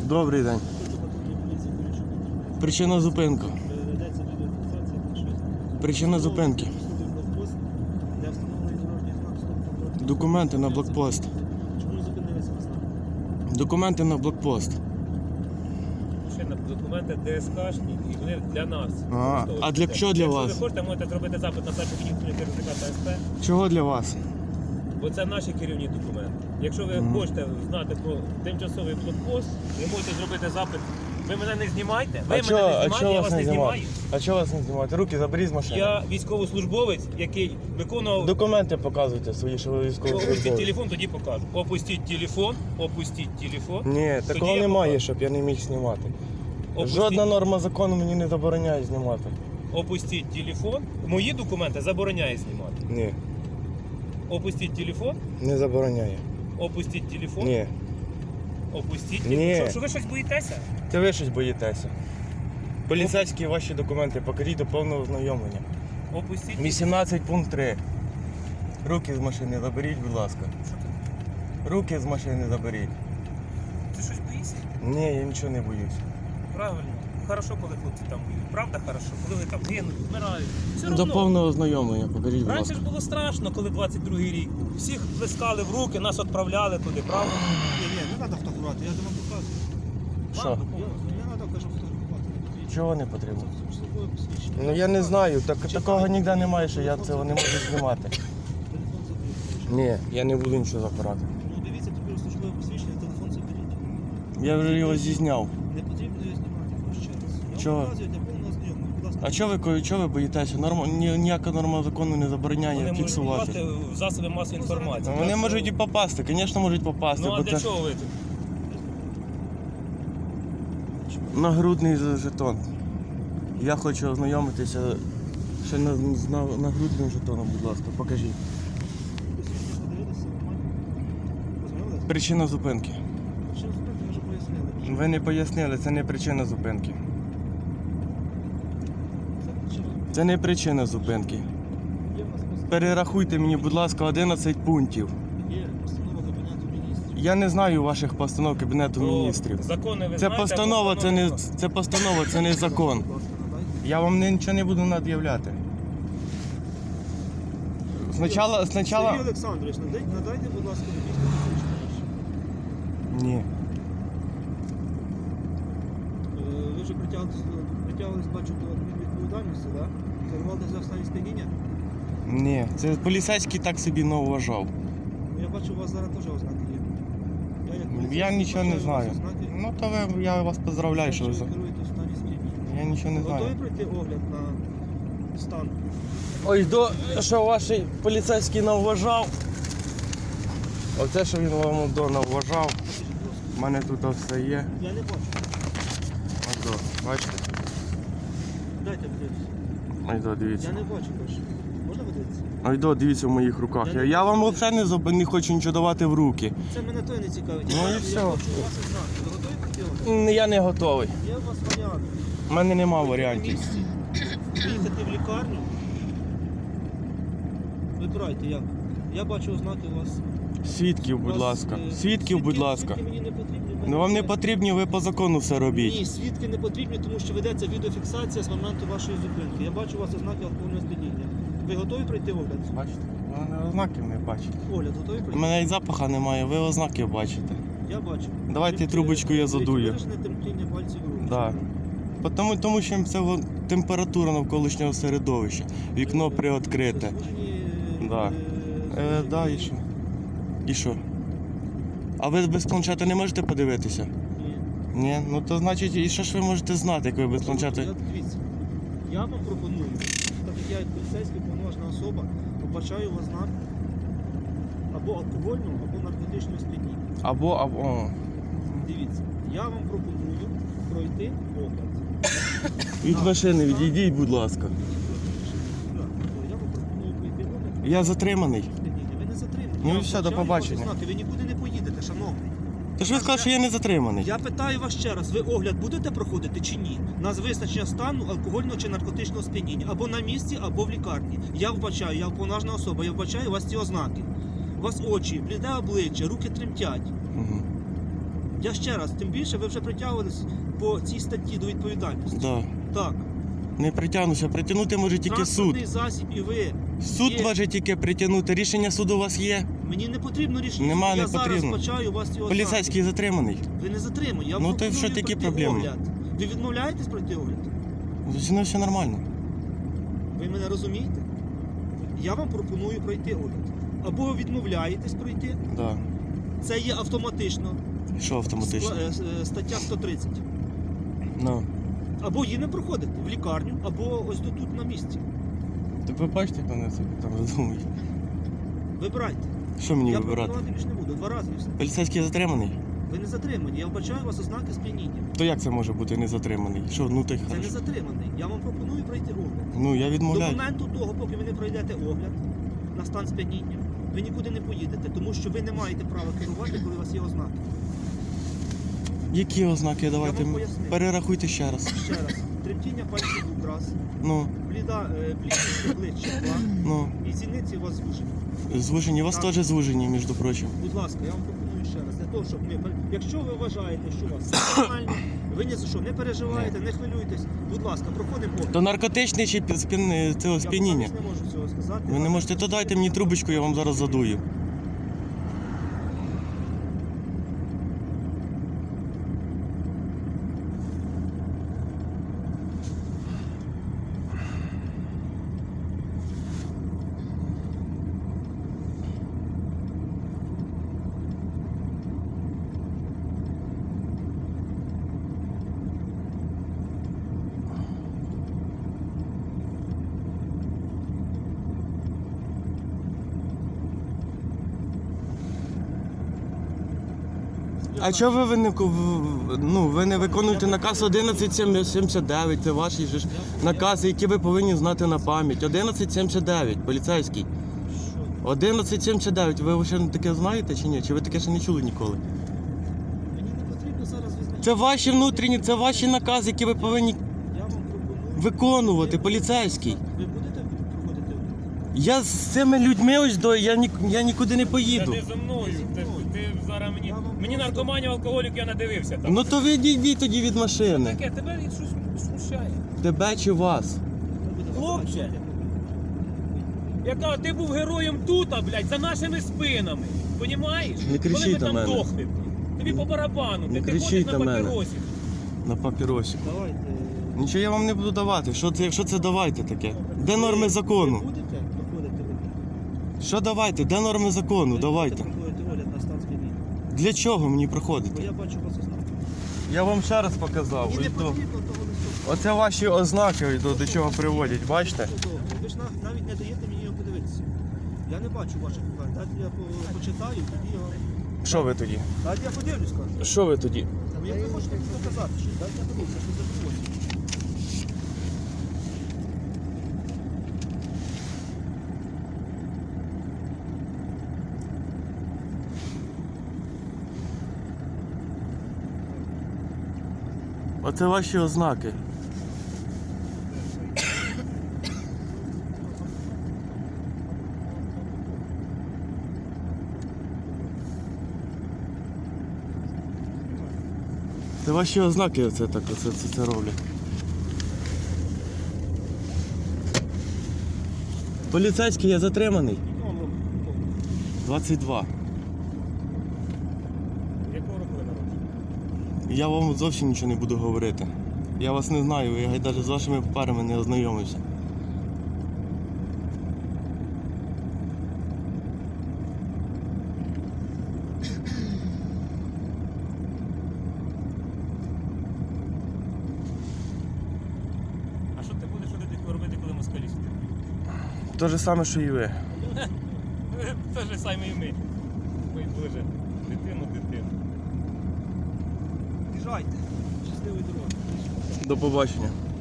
Добрий день. Причина зупинки. Причина зупинки. Документи на блокпост. Чому зупинилися вас там? Документи на блокпост. Документи ДСКшні і вони для нас. А для чого для вас? Якщо ви хочете, можете зробити запит на першу відділення керівника та СП, Чого для вас? бо це наші керівні документи. Якщо ви хочете знати про тимчасовий блокпост, ви можете зробити запит. Ви мене не знімайте, ви мене не знімайте, я вас не знімаю. А чого вас не знімати? Руки заберіть з машини. Я військовослужбовець, який виконував... Документи показуйте свої, що ви Опустіть військовослужбовець. телефон, тоді покажу. Опустіть телефон. Ні, такого Тоді я немає, покажу. щоб я не міг знімати. Опустіть- Жодна норма закону мені не забороняє знімати. Опустіть телефон. Мої документи забороняє знімати. Ні, Опустіть телефон. не забороняє. Опустіть телефон. Ні. Опустіть Ні. телефон. Що ви щось боїтеся? Це ви щось боїтеся. Поліцейські ваші документи покажіть до повного ознайомлення. Опустіть. 18 пункт 3. Руки з машини заберіть, будь ласка. Руки з машини заберіть. Ти щось боїшся? Ні, я нічого не боюсь. Правильно. Хорошо, коли хлопці там воюють. Правда, хорошо? Коли вони там гинуть, вмирають. Все До одно. повного ознайомлення покажіть, будь Раніше ласка. ж було страшно, коли 22-й рік був. Всіх плескали в руки, нас відправляли туди, правда? Ні, не треба фотографувати, я вам показую. Що? Не треба, кажу, фотографувати. Чого не потрібно? Службове посвідчення. Ну я не знаю, такого ніде немає, що я цього не можу знімати. Телефон заберіть. Ні, я не буду нічого забирати. Ну дивіться, тепер службове посвідчення, телефон заберіть. Я вже його зізняв. Не потрібно його знімати, ще раз. Я Чого? вам показую для повного знайомого. Будь ласка. А чого ви боїтеся? Ніяка норма закону не забороняє Вони можуть фіксувати. попасти в засоби масової інформації. Вони Так, можуть і попасти, звісно, можуть попасти. Ну а бо для це чого ви тут? нагрудний жетон. Я хочу ознайомитися ще з нагрудним жетоном, будь ласка, покажіть. Посвідчення подивилися, нормально? Познайомилися? Причина зупинки. Що зупинити, ми вже пояснили. Ви не пояснили, це не причина зупинки. Це причина. Це не причина зупинки. Є в нас постанова. Перерахуйте мені, будь ласка, 11 пунктів. Є постанова Кабінету Міністрів. Я не знаю ваших постанов Кабінету Про Міністрів. Закони ви Це знаєте, постанова, а це не постанови- це постанова, це не закон. Будь ласка, надайте. Я вам нічого не буду над'являти. Спочатку... Сергій Олександрович, надайте, будь ласка, водійське посвідчення. Ні. Ви вже притягувались, бачу, до адмінвідповідальності, так? Керували за стані сп'яніння? Ні. Це поліцейський так собі не вважав. Я бачу, у вас зараз теж ознаки є. Як поліцейський Я нічого не бачу, у вас знаю. ознаки. Ну то я вас поздравляю, що ви Бачу, за. ви керуєте в стані сп'яніння. Я нічого не Готові знаю. пройти огляд на стан? Ой, що ваш поліцейський навважав. Оце, що він вам навважав. Покажіть, будь ласка. У мене тут все є. Я не бачу. Ось, бачите? Дайте подивитися. Ось, дивіться. Я не бачу, кажу. Можна подивитися? Ось, дивіться в моїх руках. Я не Я вам бачу. взагалі не хочу нічого давати в руки. Це мене той не цікавить. Ну і Я все. бачу, у вас ознаки. Ви готові пройти огляд? Я не готовий. Є у вас варіант. У мене нема На варіантів. місці. Їхати в лікарню. Вибирайте як. Я бачу ознаки у вас. Свідків, будь У вас, ласка. е, Свідків, будь ласка. Свідки мені не потрібні. Ну вам не потрібні, ви по закону все робіть. Ні, свідки не потрібні, тому що ведеться відеофіксація з моменту вашої зупинки. Я бачу у вас ознаки алкогольного сп'яніння. Ви готові пройти огляд? Бачите? У мене ознаків не бачите. Огляд готові У пройти? мене і запаха немає, ви ознаки бачите. Я бачу. Давайте Тільки, трубочку я дивіться, задую. Виражене тремтіння пальців рук. Да. Тому що це температура навколишнього середовища. Вікно приоткрите. Да. Да, і що? І що? А ви без планшета не можете подивитися? Ні. Ні? Ну то значить, і що ж ви можете знати, як ви без планшета? Дивіться, я вам пропоную, так як я як поліцейський повноважна особа, побачаю у вас знак або алкогольного, або наркотичного сп'яніння. Або. Дивіться, я вам пропоную пройти огляд. Від машини відійдіть, будь ласка. Так, я вам пропоную пройти огляд. Я затриманий. Сп'яніння. Ви не затримані. Ну Я і все, до бачаю побачення. ваші знаки, ви нікуди не поїдете, шановний. Тож ви сказали, що я не затриманий. Я питаю вас ще раз, ви огляд будете проходити чи ні? На визначення стану алкогольного чи наркотичного сп'яніння. Або на місці, або в лікарні. Я вбачаю, я повноважна особа, я вбачаю у вас ці ознаки. У вас очі, бліде обличчя, руки тремтять. Угу. Я ще раз, тим більше ви вже притягувались по цій статті до відповідальності. Да. Так. Не притягнуся. Притягнути може тільки суд. Транспортний засіб і ви. Суд є. може тільки притягнути. Рішення суду у вас є. Мені не потрібно рішення. Нема, я не потрібно. зараз почаю вас його Поліцейський затриманий. Ви не затримані. Я вам Ну, то пропоную що такі пройти проблеми? огляд. Ви відмовляєтесь пройти огляд? Зі мною все нормально. Ви мене розумієте? Я вам пропоную пройти огляд. Або ви відмовляєтесь пройти. Да. Це є автоматично. Що автоматично? Стаття 130. Ну. Або її не проходите в лікарню, або ось тут на місці. Так ви бачите, як вони собі там задумують. Вибирайте. Що мені Я вибирати? пропонувати більше не буду. 2 рази і все. Поліцейський затриманий? Ви не затримані. Я вбачаю у вас ознаки сп'яніння. То як це може бути не затриманий? Що, ну ти Це не хорошо. затриманий. Я вам пропоную пройти огляд. Ну я До відмовляю. моменту того, поки ви не пройдете огляд на стан сп'яніння, ви нікуди не поїдете, тому що ви не маєте права керувати, коли у вас є ознаки. Які ознаки? Давайте вам поясню. перерахуйте ще раз. Ще раз. Тремтіння пальців у раз, Ну, блідість обличчя, ну. і зіниці у вас звужені. Звужені, у вас Так. теж звужені, між прочим. Будь ласка, я вам пропоную ще раз. Для того, щоб ми, якщо ви вважаєте, що у вас все нормально, ви ні за що не переживаєте, не хвилюйтесь. Будь ласка, проходимо огляд. То наркотичний чи цього сп'яніння? Я вам не можу цього сказати. Ви не можете, то дайте мені трубочку, я вам зараз задую. А чого ви не виконуєте наказ 1179, це ваші ж накази, які ви повинні знати на пам'ять. 1179, поліцейський. Що? 1179, ви ще таке знаєте чи ні? Чи ви таке ще не чули ніколи? Мені не потрібно зараз визначати. Це ваші внутрішні, це ваші накази, які ви повинні Я вам пропоную. виконувати, поліцейський. Ви будете проходити огляд? Я з цими людьми ось я нікуди не поїду. Ти зі мною. Ти зараз мені наркоманів, алкоголік, я надивився там. Ну то ви йдіть тоді від машини. Таке, тебе щось смущає. Тебе чи вас? Хлопче. Яка ти був героєм тут, блядь, за нашими спинами. Понімаєш? Не кричіть Коли ми на там мене. дохли. Тобі по барабану. Не Ти кричіть ходиш на на мене. папіросі. На папіросі. Давайте. Нічого я вам не буду давати. Якщо це давайте таке? Де норми закону? Ви будете проходити огляд? Що давайте? Де норми закону? Ви Давайте. будете проходити огляд на стан сп'яніння? Для чого мені Бо проходити? я бачу вас ознаки. Я вам ще раз показав. Мені не Ось то. потрібно того листу. Оце ваші ознаки до чого приводять, бачите? Ви ж навіть не даєте мені його подивитися. Я не бачу ваших питань. Дайте я почитаю, тоді я вам... Що ви тоді? Дайте я подивлюсь, кажу. Що ви тоді? Ну, як ви хочете показати, що дайте я подивлюся, що це такое. Оце ваші ознаки. Це ваші ознаки оце так, це роблять. Поліцейський, я затриманий. Скільки вам років? 22. Якого року ви народжені? Я вам зовсім нічого не буду говорити. Я вас не знаю, я навіть з вашими парами не ознайомився. А що ти будеш робити, коли москалі сюди? Те ж саме, що і ви. Те ж саме і ми. Ой, Боже, дитину. Їжджайте. Щасливої дороги. До побачення.